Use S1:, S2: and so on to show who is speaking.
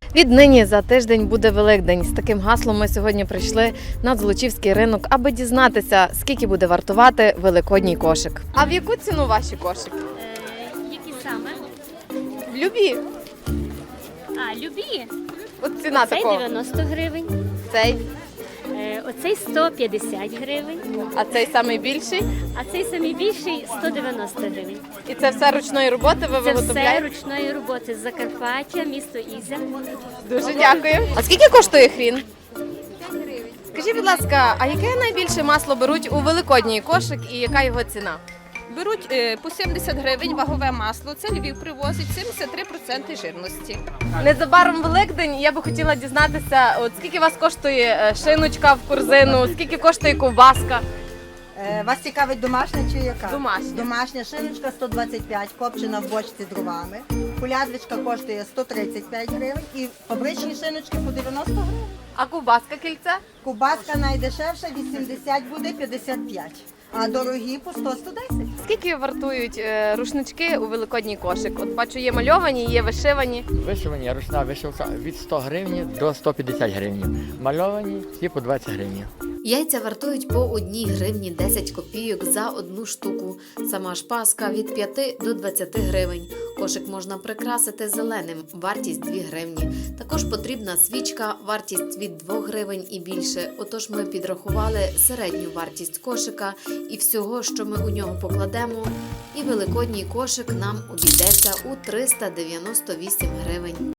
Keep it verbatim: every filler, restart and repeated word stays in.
S1: Віднині за тиждень буде Великдень. З таким гаслом ми сьогодні прийшли на Золочівський ринок, аби дізнатися, скільки буде вартувати великодній кошик. А в яку ціну ваші кошики?
S2: Е, Які саме?
S1: Любі.
S2: А, любі.
S1: От ціна
S2: Цей
S1: такого.
S2: дев'яносто гривень,
S1: Цей.
S2: е, оцей сто п'ятдесят гривень,
S1: А цей самий більший.
S2: а цей самий більший сто дев'яносто гривень.
S1: І це все ручної роботи ви
S2: Це все
S1: виготовляєте?
S2: ручної роботи з Закарпаття, місто Ізя.
S1: Дуже дякую. А скільки коштує хрін? Скажіть, будь ласка, а яке найбільше масло беруть у великодній кошик і яка його ціна?
S3: Беруть е, по сімдесят гривень вагове масло. Це Львів привозить сімдесят три відсотки жирності.
S1: Незабаром Великдень. Я би хотіла дізнатися, от скільки вас коштує е, шиночка в корзину, скільки коштує ковбаска?
S4: Е, Вас цікавить домашня чи яка?
S1: Домашня.
S4: Домашня шиночка сто двадцять п'ять, копчена в бочці дровами. Кулядвичка коштує сто тридцять п'ять гривень і фабричні шиночки по дев'яносто гривень.
S1: А ковбаска кільце?
S4: Кубаска найдешевша вісімдесят буде п'ятдесят п'ять, а дорогі по сто сто десять.
S1: Скільки вартують е, рушнички у великодній кошик? От бачу, є мальовані, є вишивані.
S5: Вишивані, ручна вишивка від сто гривень до сто п'ятдесят гривень. Мальовані всі по двадцять гривень.
S6: Яйця вартують по одній гривні десять копійок за одну штуку. Сама ж паска від п'яти до двадцяти гривень. Кошик можна прикрасити зеленим, вартість дві гривні. Також потрібна свічка, вартість від двох гривень і більше. Отож ми підрахували середню вартість кошика і всього, що ми у нього покладемо. І великодній кошик нам обійдеться у триста дев'яносто вісім гривень.